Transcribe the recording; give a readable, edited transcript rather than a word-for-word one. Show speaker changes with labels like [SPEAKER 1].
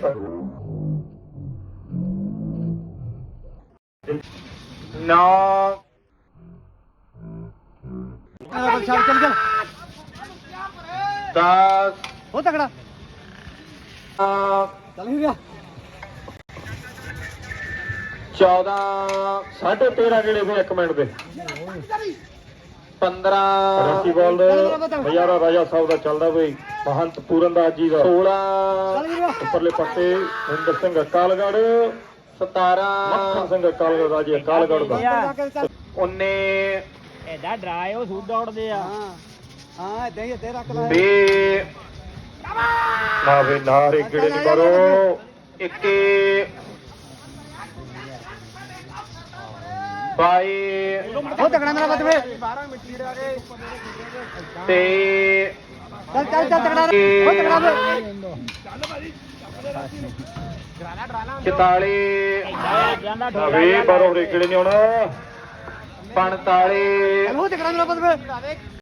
[SPEAKER 1] नौ
[SPEAKER 2] चल चल चल
[SPEAKER 1] 10
[SPEAKER 2] हो तगड़ा चल ही गया
[SPEAKER 1] 14 13.5 ਗੇੜੇ ਫਿਰ 1 ਮਿੰਟ ਦੇ 15 ਰੱਸੀ ਬਾਲ ਬਜ਼ਾਰਾ ਰਾਜਾ ਸਾਹਿਬ ਦਾ ਚੱਲਦਾ ਬਈ ਮਹੰਤ ਪੂਰਨ ਦਾਸ ਜੀ ਦਾ 16 ਉੱਪਰਲੇ ਪਾਸੇ ਹਿੰਦਰ ਸਿੰਘ ਅਕਾਲਗੜ੍ਹ 17 ਮੱਖਣ ਸਿੰਘ ਅਕਾਲਗੜ੍ਹ ਰਾਜੇ ਅਕਾਲਗੜ੍ਹ ਦਾ 19
[SPEAKER 2] ਐਡਾ ਡਰਾਏ ਉਹ ਸੂਟ ਦੌੜਦੇ ਆ ਹਾਂ ਇਦਾਂ ਹੀ ਇੱਥੇ ਰੱਖ ਲੈ
[SPEAKER 1] ਤੇ ਨਾ ਵੇ ਨਾ ਰੇ ਗੇੜੇ ਨਹੀਂ ਕਰੋ 21 22
[SPEAKER 2] ਉਹ ਤਗੜਾ ਮੇਰਾ ਬੱਤ ਵੇ
[SPEAKER 1] ਤੇ
[SPEAKER 2] ਚੱਲ ਚੱਲ ਚੱਲ ਤਗੜਾ ਉਹ ਤਗੜਾ ਵੇ
[SPEAKER 1] 44 ਵੇ ਬਾਰੋ ਰੇ ਗੇੜੇ ਨਹੀਂ ਆਉਣਾ 45
[SPEAKER 2] ਉਹ ਤਗੜਾ ਮੇਰਾ ਬੱਤ ਵੇ